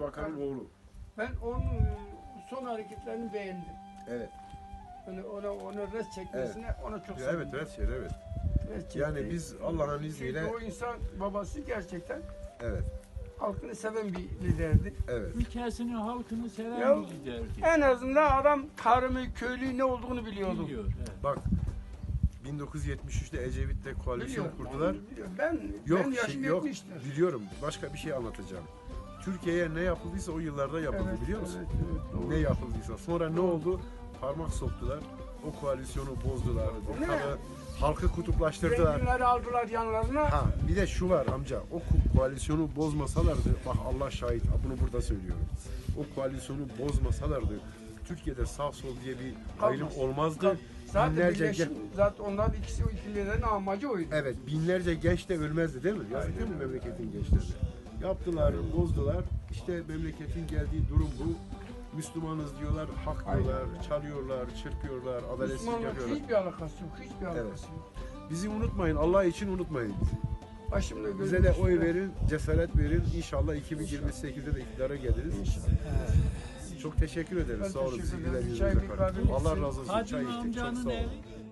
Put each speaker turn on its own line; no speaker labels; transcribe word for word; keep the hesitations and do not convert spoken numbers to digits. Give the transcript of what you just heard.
Bakan'ın oğlu.
Ben onun son hareketlerini beğendim.
Evet.
Hani ona ona res çekmesine ona çok
Ya,
sevindim.
evet, evet, şey, evet.
Res çekti.
Yani biz Allah'ın izniyle,
Çünkü o insan babası gerçekten
evet,
halkını seven bir liderdi.
evet.
Ülkesini, halkını seven
Ya,
bir liderdi.
En azından adam tarımı, köylüyü ne olduğunu biliyordu.
Biliyor. Evet.
Bak, bin dokuz yüz yetmiş üçte Ecevit'le koalisyon
Biliyorum,
kurdular.
biliyorum. Ben,
Yok,
ben yaşım
şey, yok,
yetmiştir.
biliyorum. Başka bir şey anlatacağım. Türkiye'ye ne yapıldıysa o yıllarda yapıldı,
Evet,
biliyor musun?
evet, evet, doğru.
Ne yapıldıysa. Sonra ne
Doğru.
oldu? Parmak soktular. O koalisyonu bozdular.
Ne?
Halkı, halkı kutuplaştırdılar.
Zenginleri aldılar yanlarına.
Ha, bir de şu var amca, o ko- koalisyonu bozmasalardı, bak Allah şahit, ha, bunu burada söylüyorum. O koalisyonu bozmasalardı, Türkiye'de sağ sol diye bir ayrım
Kalmaz.
olmazdı.
Zaten
Binlerce
birleşim,
gen-
zaten onlar ikisi o ikililerin amacı oydu.
evet, binlerce genç de ölmezdi değil mi? Yazık değil mi memleketin gençleri? Yaptılar, bozdular. İşte memleketin geldiği durum bu. Müslümanız diyorlar, hak diyorlar, çalıyorlar, çırpıyorlar, adaletsizlik
Müslümanlık
yapıyorlar.
hiçbir alakası yok, hiçbir alakası
Evet.
yok.
Bizi unutmayın, Allah için unutmayın bizi.
Başımda gözüm
Bize de oy
üstünde.
verin, cesaret verin. İnşallah iki bin yirmi sekizde de iktidara geliriz.
İnşallah.
Çok teşekkür ederiz.
Ben
Sağ olun.
teşekkür
Sevgiler
ederim.
yüzünüze
Çay
karşı.
ikramı
Allah
için.
razı olsun.
Hacı
Çay içtik. Çok
amcanın
sağ olun.
evi